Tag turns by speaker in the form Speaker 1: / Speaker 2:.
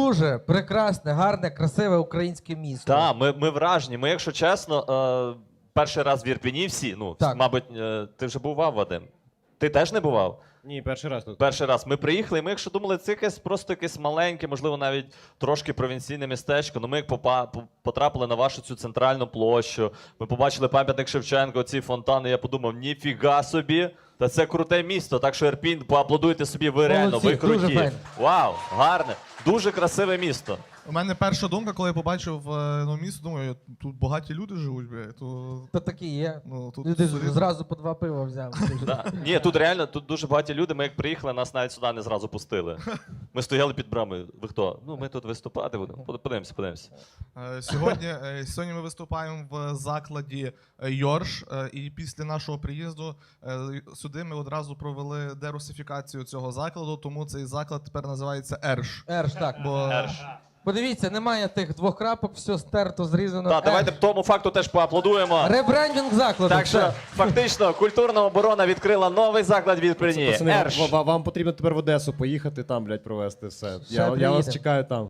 Speaker 1: дуже прекрасне, гарне, красиве українське місто.
Speaker 2: Так, ми вражені. Ми, якщо чесно, перший раз в Ірпені всі, ну,
Speaker 1: Так.
Speaker 2: мабуть, ти вже бував, Вадим? Ти теж не бував?
Speaker 3: Ні, перший раз тут.
Speaker 2: Перший раз. Ми приїхали, і ми, якщо думали, це просто якесь маленьке, можливо, навіть трошки провінційне містечко. Ну, ми як потрапили на вашу цю центральну площу, ми побачили пам'ятник Шевченка, ці фонтани, я подумав, ніфіга собі, та це круте місто. Так що Ірпінь, поаплодуйте собі, ви реально,
Speaker 1: Молодці,
Speaker 2: ви
Speaker 1: дуже
Speaker 2: круті.
Speaker 1: файно.
Speaker 2: Вау, гарне, дуже красиве місто.
Speaker 4: У мене перша думка, коли я побачив місто, думаю, тут багаті люди живуть, блядь.
Speaker 1: То такі є.
Speaker 4: Ну, тут
Speaker 1: Люди ж
Speaker 4: солідно.
Speaker 1: зразу по 2 пива взяли.
Speaker 2: Да. Ні, тут реально тут дуже багаті люди. Ми як приїхали, нас навіть сюди не зразу пустили. Ми стояли під брамою. Ви хто? Ну, ми тут виступати будемо. Подивимося.
Speaker 4: Сьогодні ми виступаємо в закладі Йорш, і після нашого приїзду сюди ми одразу провели дерусифікацію цього закладу, тому цей заклад тепер називається Ерш.
Speaker 1: Ерш, так.
Speaker 4: Бо
Speaker 1: Подивіться, немає тих 2 крапок, все стерто, зрізано.
Speaker 2: Так, давайте тому факту теж поаплодуємо.
Speaker 1: Ребрендінг закладу.
Speaker 2: Так що,
Speaker 1: все.
Speaker 2: фактично, культурна оборона відкрила новий заклад в Ірпені.
Speaker 3: Пацани,
Speaker 2: Ерш.
Speaker 3: вам потрібно тепер в Одесу поїхати, там, блядь, провести все.
Speaker 1: Ще
Speaker 3: Я вас
Speaker 1: приїдемо.
Speaker 3: чекаю там.